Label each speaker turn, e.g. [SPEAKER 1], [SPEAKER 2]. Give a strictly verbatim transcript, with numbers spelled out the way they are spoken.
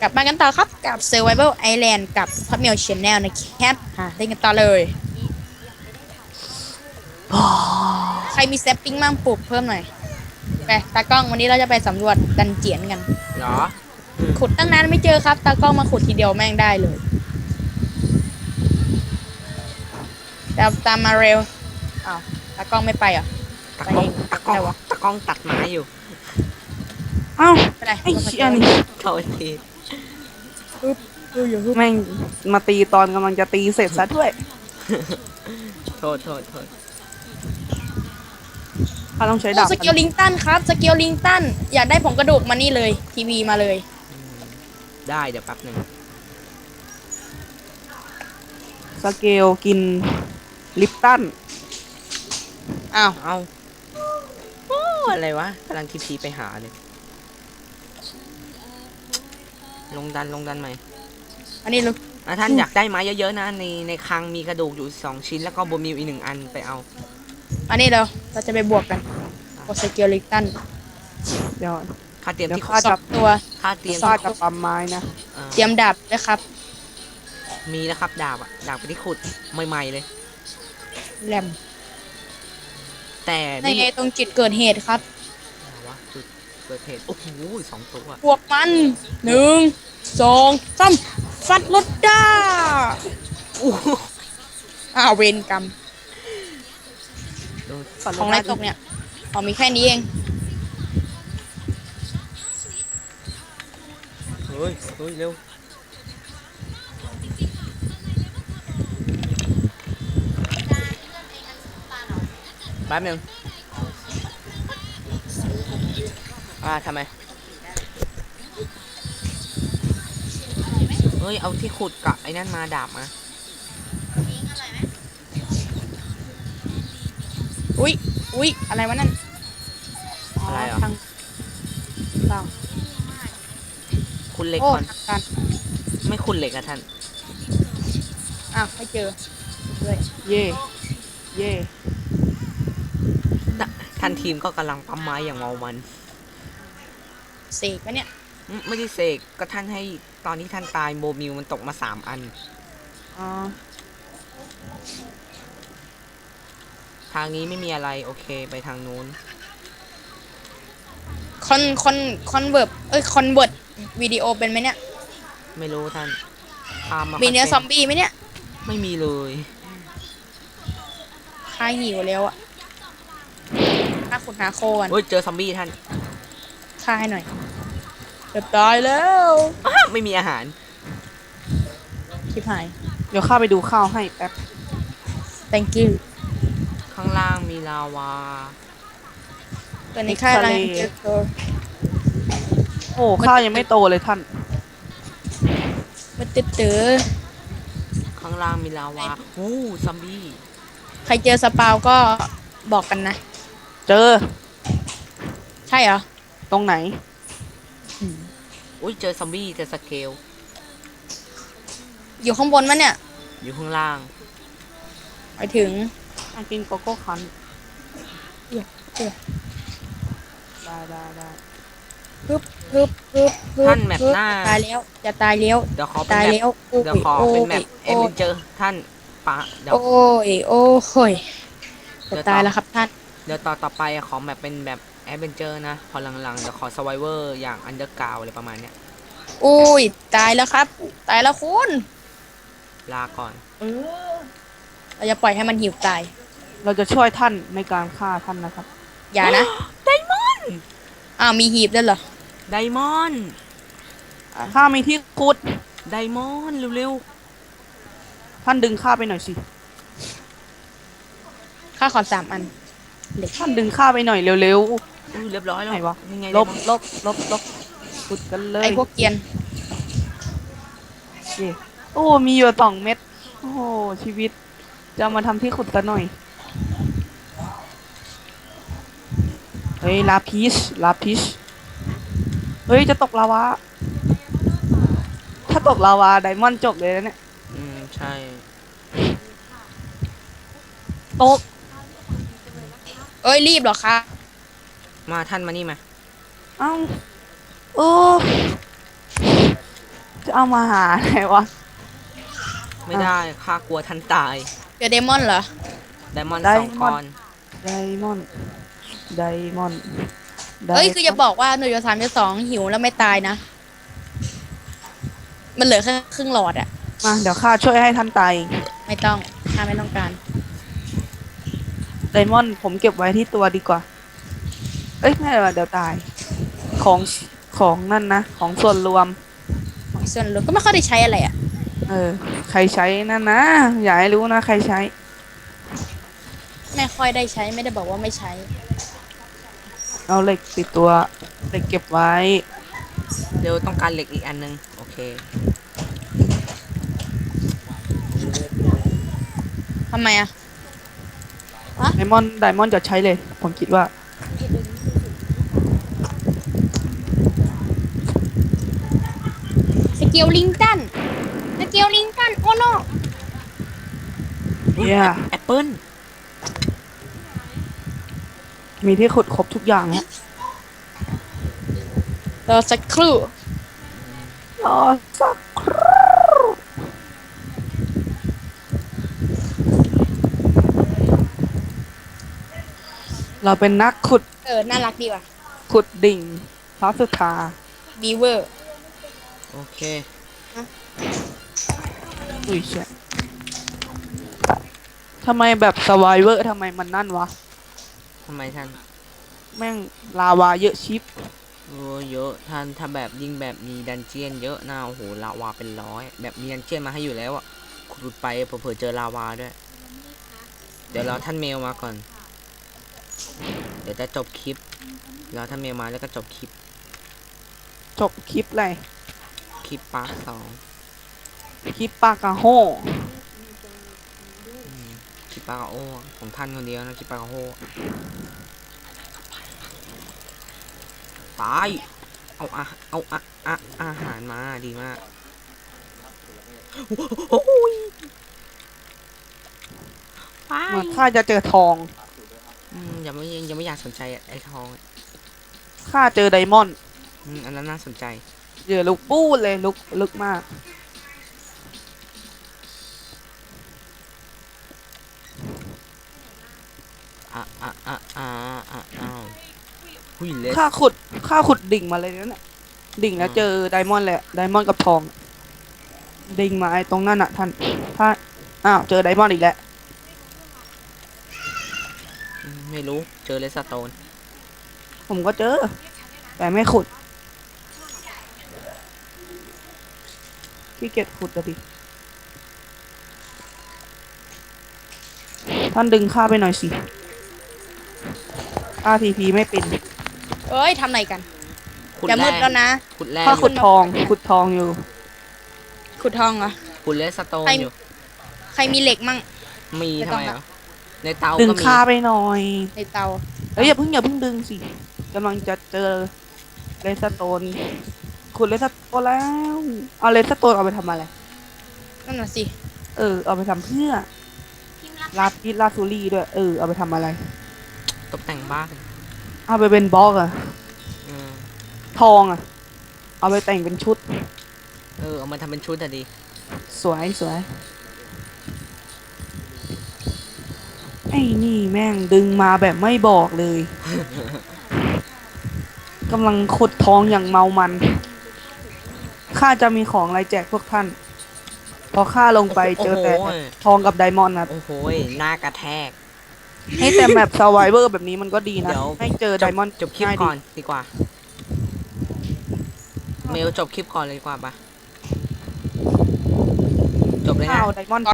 [SPEAKER 1] กลับมากันต่อครับกับ Survival Island กับ Hotmail Channel นะครับอ่ะเล่นกันต่อเลยใครมีแซปปิ้งมั่งปลูกเพิ่มหน่อยไปตากล้องวันนี้เราจะไปสำรวจดันเจียนกัน
[SPEAKER 2] เหรออืม
[SPEAKER 1] ขุดตั้งนานไม่เจอครับตากล้องมาขุดทีเดียวแม่งได้เลยตามตามมาเร็วอ้าวตากล้องไม่ไปเหรอ
[SPEAKER 2] ตะ
[SPEAKER 1] ไป
[SPEAKER 2] กล้อง
[SPEAKER 1] เอง
[SPEAKER 2] ตะกล้อง
[SPEAKER 1] อะไรวะ
[SPEAKER 2] ตะกล้องตัดไม้อยู่
[SPEAKER 3] เอ้า
[SPEAKER 1] ไปไหน
[SPEAKER 3] ไอ้เชี่ยนี่
[SPEAKER 2] โทษที
[SPEAKER 1] ปึ๊บดูอยู่ปึ๊บ
[SPEAKER 3] แม่งมาตีตอนกำลังจะตีเสร็จซะด้วย
[SPEAKER 2] โทษโทษโทษ
[SPEAKER 3] ถ้าต้องใช้
[SPEAKER 1] โอ้
[SPEAKER 3] ดาบ
[SPEAKER 1] สเกลลิงตันครับสเกลลิงตันอยากได้ผงกระดูกมานี่เลยทีวีมาเลย
[SPEAKER 2] อืมได้เดี๋ยวแป๊บหนึ่ง
[SPEAKER 3] สเกลกินลิปตัน
[SPEAKER 1] อ้าว
[SPEAKER 2] เอาโอ้อะไรวะกำลังทีพีไปหาเลยลงดันลงดันไหม
[SPEAKER 1] อันนี้ลูก
[SPEAKER 2] อ่ะท่านอยากได้ไม้เยอะๆนะในในคลังมีกระดูกอยู่สองชิ้นแล้วก็โบมิวอีกหนึ่งอันไปเอา
[SPEAKER 1] อันนี้เราเราจะไปบวกกันกดสเกลลิงตัน
[SPEAKER 3] เดี๋ยว
[SPEAKER 2] ค่าเตรียม
[SPEAKER 3] เดี๋ยว
[SPEAKER 2] ที่
[SPEAKER 3] ข้า
[SPEAKER 1] สองตัว
[SPEAKER 2] ค่าเตรียม
[SPEAKER 3] ข้า
[SPEAKER 2] ที่
[SPEAKER 3] จะปั๊มไม้นะ
[SPEAKER 2] เอ่อ
[SPEAKER 1] เตรียมดาบด้วยครับ
[SPEAKER 2] มีแล้วครับดาบอะดาบไปที่ขุดใหม่ๆเลย
[SPEAKER 1] แรม
[SPEAKER 2] แต่
[SPEAKER 1] ใน
[SPEAKER 2] ไม่
[SPEAKER 1] ไงตรงจุดเกิดเหตุครับ
[SPEAKER 2] อะไรวะจุดเกิดเหตุโอ้โหสองตัว
[SPEAKER 1] บวกมันหนึ่งสองสามฟัดรถด้า
[SPEAKER 2] อู้หู
[SPEAKER 1] อ้าวเวรกรรม
[SPEAKER 2] โดน
[SPEAKER 1] ของไรตกเนี่ยอ๋อมีแค่นี้เอง
[SPEAKER 2] เฮ้ยเฮ้ยเร็วแป๊บหนึงอ่าทำไมเฮ้ยเอาที่ขุดกับไอ้นั่นมาดาบมา
[SPEAKER 1] อุ๊ยอุ๊ยอะไรวะนั่น
[SPEAKER 2] อะไรเหรอ
[SPEAKER 1] ทางเปล่า
[SPEAKER 2] คุณเหล็ก
[SPEAKER 1] โอ้
[SPEAKER 2] ก่อน
[SPEAKER 1] ทางการ
[SPEAKER 2] ไม่คุณเหล็กอะท่าน
[SPEAKER 1] อ้าวไม่เจอเลย
[SPEAKER 3] เย่เย่
[SPEAKER 2] ท่านทีมก็กำลังปั๊มไม้อย่างเมามัน
[SPEAKER 1] เสกปะเนี่ย
[SPEAKER 2] อืมไม่ได้เสกก็ท่านให้ตอนที่ท่านตายโมมิวมันตกมาสามอัน
[SPEAKER 3] อ๋อ
[SPEAKER 2] ทางนี้ไม่มีอะไรโอเคไปทางนู้น
[SPEAKER 1] คอนคอนคอนเวิร์บเอ้ยคอนเวิร์ตวิดีโอเป็นไหมเนี่ย
[SPEAKER 2] ไม่รู้ท่านพามา
[SPEAKER 1] มีเนื้อซ
[SPEAKER 2] ค่
[SPEAKER 1] อมบี้ไหมเนี่ย
[SPEAKER 2] ไม่มีเลย
[SPEAKER 1] ข้าหิวแล้วอะข้าขุดหาโคกัน
[SPEAKER 2] เฮ้ยเจอซอมบี้ท่าน
[SPEAKER 1] ข้าให้หน่อยจะตายแล้ว
[SPEAKER 2] อ้าไม่มีอาหาร
[SPEAKER 1] ชิบหาย
[SPEAKER 3] เดี๋ยวข้าไปดูข้าวให้แป๊บ
[SPEAKER 1] thank you
[SPEAKER 2] ข้างล่างมีลาวา
[SPEAKER 1] ตอนนี้ข้ากำลังเจอตัว
[SPEAKER 3] โอ้ข้าวยังไม่โตเลยท่าน
[SPEAKER 1] มันตื้อตื้อ
[SPEAKER 2] ข้างล่างมีลาวาหูซอมบี้
[SPEAKER 1] ใครเจอสปาวก็บอกกันนะ
[SPEAKER 3] เจอ
[SPEAKER 1] ใช่เหรอ
[SPEAKER 3] ตรงไหน
[SPEAKER 2] อุ้ยเจอซอมบี้เจอสเกล
[SPEAKER 1] อยู่ข้างบนมั้ยเนี่ย
[SPEAKER 2] อยู่ข้างล่าง
[SPEAKER 1] ไปถึง
[SPEAKER 3] มากินโกโก้คัน
[SPEAKER 1] เอื้อเอื้อ
[SPEAKER 3] ได้ได้ได้
[SPEAKER 1] ฮึบฮึบฮึบฮึบ
[SPEAKER 2] ท่านแมป
[SPEAKER 1] ฮึบ
[SPEAKER 2] หน้า
[SPEAKER 1] ตายแล้วจะตายแล้ว
[SPEAKER 2] เดี๋ยวขอเป็น
[SPEAKER 1] ตาย
[SPEAKER 2] แม
[SPEAKER 1] แล้
[SPEAKER 2] ป
[SPEAKER 1] วโอ้
[SPEAKER 2] เดี๋ยวย ขอ
[SPEAKER 1] โอ้
[SPEAKER 2] เป็น
[SPEAKER 1] ย
[SPEAKER 2] แมปเอ
[SPEAKER 1] โอ้
[SPEAKER 2] เม
[SPEAKER 1] ย
[SPEAKER 2] นเจอร์ท่านปะเดี๋ยว
[SPEAKER 1] โอ้ยโอ้ยจะตายแล้วครับท่าน
[SPEAKER 2] เดี๋ยวต่อต่อไปขอแบบเป็นแบบแอดเวนเจอร์นะ พอหลังๆเดี๋ยวขอสไวเวอร์อย่างอันเดอร์กราวอะไรประมาณเนี้ย
[SPEAKER 1] อุ้ยตายแล้วครับ ตายแล้วคุณ
[SPEAKER 2] ลาก่อน
[SPEAKER 1] เราจะปล่อยให้มันหิวตาย
[SPEAKER 3] เราจะช่วยท่านในการฆ่าท่านนะครับ
[SPEAKER 1] อย่านะ
[SPEAKER 2] ไดมอนด์
[SPEAKER 1] อ้าวมีหีบด้วยเหรอ
[SPEAKER 2] ไดมอนด์
[SPEAKER 3] ข้ามีที่ขุด
[SPEAKER 2] ไดมอนด์เร็ว
[SPEAKER 3] ท่านดึงข้าไปหน่อยสิ
[SPEAKER 1] ข้าขอสามอันเหล็ก
[SPEAKER 3] ท่านดึงข้าไปหน่อยเร็ว
[SPEAKER 2] ๆอุ้ยเรียบร้อย
[SPEAKER 3] ๆ
[SPEAKER 2] แล้ว
[SPEAKER 3] ไหนวะ
[SPEAKER 2] ยังไง
[SPEAKER 3] ล
[SPEAKER 2] ได
[SPEAKER 3] บ
[SPEAKER 2] มอนด์
[SPEAKER 3] ลบลบลบขุดกันเลย
[SPEAKER 1] ไอพวกเกรียน
[SPEAKER 3] เย่โอ้ มีอยู่สองเม็ด โอ้โห ชีวิต จะมาทำที่ขุดกันหน่อย เฮ้ย ลาพิช ลาพิช เฮ้ย จะตกลาวา ถ้าตกลาวาไดมอนด์จบเลยนะเนี่ย
[SPEAKER 2] อืมใช่
[SPEAKER 3] ตก
[SPEAKER 1] เอ้ยรีบเหรอคะ
[SPEAKER 2] มาท่านมานี่มา
[SPEAKER 3] เอ้าโอ้เอามาหาไหนวะ
[SPEAKER 2] ไม่ได้ข้ากลัวท่านตาย
[SPEAKER 1] เจอเดมอนเหรอ
[SPEAKER 2] ไดมอนด์
[SPEAKER 3] ได
[SPEAKER 2] สอง
[SPEAKER 3] ม
[SPEAKER 2] ก้
[SPEAKER 3] อ
[SPEAKER 2] อน น
[SPEAKER 3] ไดมอนด์ไดมอนด์ได
[SPEAKER 1] เอ้ยคือจะบอกว่าหนึ่งจุดสามจุดสองหิวแล้วไม่ตายนะ มันเหลือแค่ครึ่งหลอดอะ
[SPEAKER 3] มาเดี๋ยวข้าช่วยให้ท่านตายเอง
[SPEAKER 1] ไม่ต้องข้าไม่ต้องการ
[SPEAKER 3] ไดมอนด์ผมเก็บไว้ที่ตัวดีกว่า เอ้ยไม่เป็นไรเดี๋ยวตาย ของของนั่นนะ ของส่วนรวม
[SPEAKER 1] ส่วนรวมก็ไม่ค่อยได้ใช้อะไรอะ
[SPEAKER 3] เออ ใครใช้นั่นนะ อย่าให้รู้นะ ใครใช้
[SPEAKER 1] ไม่ค่อยได้ใช้ไม่ได้บอกว่าไม่ใช้
[SPEAKER 3] เอาเหล็กติดตัว เหล็กเก็บไว้
[SPEAKER 2] เดี๋ยวต้องการเหล็กอีกอันนึง โอเค
[SPEAKER 1] ทำไมอะ
[SPEAKER 3] ไดมอนด์ไดมอนด์จะใช้เลย ผมคิดว่า
[SPEAKER 1] สเกลลิงตันสเกลลิงตันโอ้โน
[SPEAKER 3] เย้
[SPEAKER 2] แอปเปิ้ล
[SPEAKER 3] มีที่ขุดครบทุกอย่างแล้ว
[SPEAKER 1] รอสักครู่
[SPEAKER 3] รอสักครู่เราเป็นนักขุด
[SPEAKER 1] เออ น่ารักดีว่ะ
[SPEAKER 3] ขุดดิ่งพระสุธา
[SPEAKER 1] บีเวอร์
[SPEAKER 2] โอเค
[SPEAKER 3] อุ้ยเชี่ยทำไมแบบสไวเวอร์ทำไมมันนั่นวะ
[SPEAKER 2] ทำไมท่าน
[SPEAKER 3] แม่งลาวาเยอะชิป
[SPEAKER 2] โอ้เยอะท่านถ้าแบบยิ่งแบบมีดันเจียนเยอะนะโอ้โหลาวาเป็นร้อย แบบมีดันเจียนมาให้อยู่แล้วอ่ะขุดไปเผื่อๆเจอลาวาด้วย เดี๋ยวรอท่านเมลมาก่อน เดี๋ยวจะจบคลิปรอท่านเมลมาแล้วก็จบคลิป
[SPEAKER 3] จบคลิปเลย
[SPEAKER 2] คลิปปาร์ทสอง
[SPEAKER 3] คลิปปากาโฮ
[SPEAKER 2] อืมคลิปปาร์โอของท่านคนเดียวนะคลิปปาร์โอตายเอาอะเอาอะอะอาหารมาดีมากโอ้ยไป
[SPEAKER 3] เหมือนข้าจะเจอทอง
[SPEAKER 2] อืมยังไม่ยังไม่อยากสนใจไอ้ทองอะ
[SPEAKER 3] ข้าเจอไดมอนด์
[SPEAKER 2] อืมอันนั้นน่าสนใจ
[SPEAKER 3] เจอลูกปู้ดเลยลุกลึกมาก
[SPEAKER 2] อ่ะอ่ะอ่ะอ่ะอ่ะอ้าวหุยเลส
[SPEAKER 3] ข้าขุดข้าขุดดิ่งมาเลยนั่นแหละดิ่งแล้วเจอไดมอนด์แหละไดมอนด์กับทอง ดิ่งมาไอ้ตรงนั้นอ่ะท่านถ้าอ้าวเจอไดมอนด์อีกแล้ว
[SPEAKER 2] อืมไม่รู้เจอเลสโตน
[SPEAKER 3] ผมก็เจอ แต่ไม่ขุดขี้เกียจขุดอะดิท่านดึงข้าไปหน่อยสิข้าทีพีไม่เป็น
[SPEAKER 1] เอ้ย ทำอะไรกัน
[SPEAKER 2] ขุด
[SPEAKER 1] จะมืด
[SPEAKER 2] ร่
[SPEAKER 1] แล้วนะ
[SPEAKER 2] ขุดแร่
[SPEAKER 3] ข้า
[SPEAKER 2] อ
[SPEAKER 3] ขุ
[SPEAKER 2] ยู่
[SPEAKER 3] ดทอง ขุดทองอยู่
[SPEAKER 1] ขุดทองเหรอ
[SPEAKER 2] ขุดเลสโตน
[SPEAKER 1] ใคร
[SPEAKER 2] อยู่
[SPEAKER 1] ใครมีเหล็กมั่ง
[SPEAKER 2] มี
[SPEAKER 1] ไม่
[SPEAKER 2] ทำ
[SPEAKER 1] ต้อง
[SPEAKER 2] ไม
[SPEAKER 1] ละ
[SPEAKER 2] เหรอในเตา
[SPEAKER 3] ดึง
[SPEAKER 2] ก็มี
[SPEAKER 3] ข้าไปหน่อย
[SPEAKER 1] ในเตา
[SPEAKER 3] เอ้ยอย่าเพิ่งอย่าเพิ่งดึงสิกำลังจะเจอเลสโตนขุดเลสโตนแล้ว เอาเลสโตนเอาไปทำอะไร
[SPEAKER 1] นั่นน่ะสิ
[SPEAKER 3] เออ เอาไปทำเพื่อลาปิสลาซูรี่ด้วย เออ เอาไปทำอะไร
[SPEAKER 2] ตกแต่งบ้าน
[SPEAKER 3] เอาไปเป็นบล็อกอะ
[SPEAKER 2] อืม
[SPEAKER 3] ทองอะเอาไปแต่งเป็นชุด
[SPEAKER 2] เออเอามาทำเป็นชุดอะดี
[SPEAKER 3] สวยสวยไอ้นี่แม่งดึงมาแบบไม่บอกเลย กำลังขุดทองอย่างเมามัน ข้าจะมีของอะไรแจกพวกท่าน พอข้าลงไปเจอแต่
[SPEAKER 2] โอ้โห
[SPEAKER 3] ทองกับไดมอนด์นะ
[SPEAKER 2] โอ้โหหน้ากระแทก
[SPEAKER 3] ให้แต่แบบสไวเวอร์แบบนี้มันก็ดีนะ
[SPEAKER 2] เดี๋ยว
[SPEAKER 3] ให้เจอไดมอนด์
[SPEAKER 2] จบคลิป
[SPEAKER 3] ง่าย
[SPEAKER 2] ก่
[SPEAKER 3] ดี
[SPEAKER 2] อนดีกว่า เมลจบคลิปก่อนเลยดีกว่าปะจบเลย
[SPEAKER 3] ข้า
[SPEAKER 2] นะ
[SPEAKER 3] วไดมอนด์